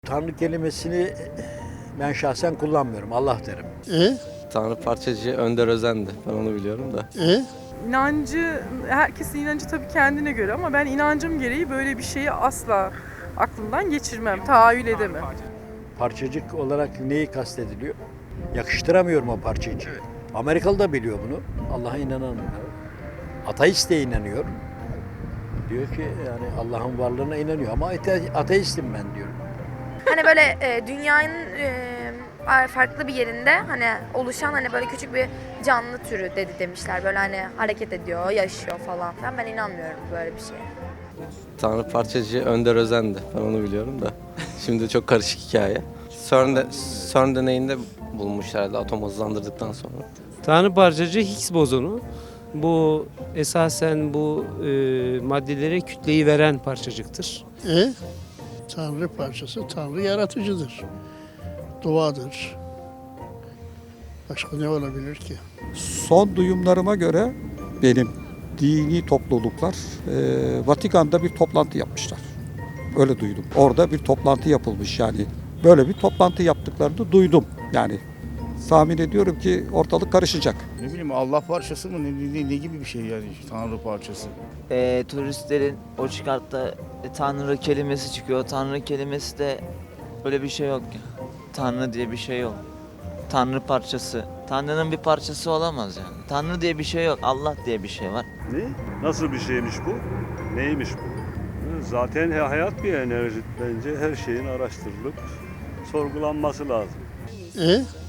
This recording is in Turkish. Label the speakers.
Speaker 1: Tanrı kelimesini ben şahsen kullanmıyorum. Allah derim.
Speaker 2: Tanrı parçacı Önder Özen'di. Ben onu biliyorum da.
Speaker 3: İnancı, herkesin inancı tabii kendine göre ama ben inancım gereği böyle bir şeyi asla aklımdan geçirmem, tahayyül edemem.
Speaker 1: Parçacık olarak neyi kastediliyor? Yakıştıramıyorum o parçacığı. Amerikalı da biliyor bunu. Allah'a inanan. Ateist de inanıyor. Diyor ki yani Allah'ın varlığına inanıyor ama ateistim ben diyor.
Speaker 4: Hani böyle dünyanın farklı bir yerinde hani oluşan hani böyle küçük bir canlı türü demişler. Böyle hani hareket ediyor, yaşıyor falan filan. Ben inanmıyorum böyle bir şeye.
Speaker 2: Tanrı parçacı Önder Özen'di. Ben onu biliyorum da. Şimdi çok karışık hikaye. CERN deneyinde bulmuşlar herhalde atom hızlandırdıktan sonra.
Speaker 5: Tanrı parçacığı Higgs bozonu. Bu esasen bu maddelere kütleyi veren parçacıktır.
Speaker 6: Tanrı parçası, Tanrı yaratıcıdır. Duadır. Başka ne olabilir ki?
Speaker 7: Son duyumlarıma göre benim dini topluluklar Vatikan'da bir toplantı yapmışlar. Öyle duydum. Orada bir toplantı yapılmış yani. Böyle bir toplantı yaptıklarını duydum. Yani tahmin ediyorum ki ortalık karışacak.
Speaker 8: Ne bileyim Allah parçası mı ne gibi bir şey yani Tanrı parçası.
Speaker 9: Turistlerin o çıkartta Tanrı kelimesi çıkıyor. Tanrı kelimesi de öyle bir şey yok. Tanrı diye bir şey yok. Tanrı parçası. Tanrı'nın bir parçası olamaz yani. Tanrı diye bir şey yok. Allah diye bir şey var.
Speaker 10: Ne? Nasıl bir şeymiş bu? Neymiş bu? Zaten hayat bir enerji. Bence her şeyin araştırılıp sorgulanması lazım.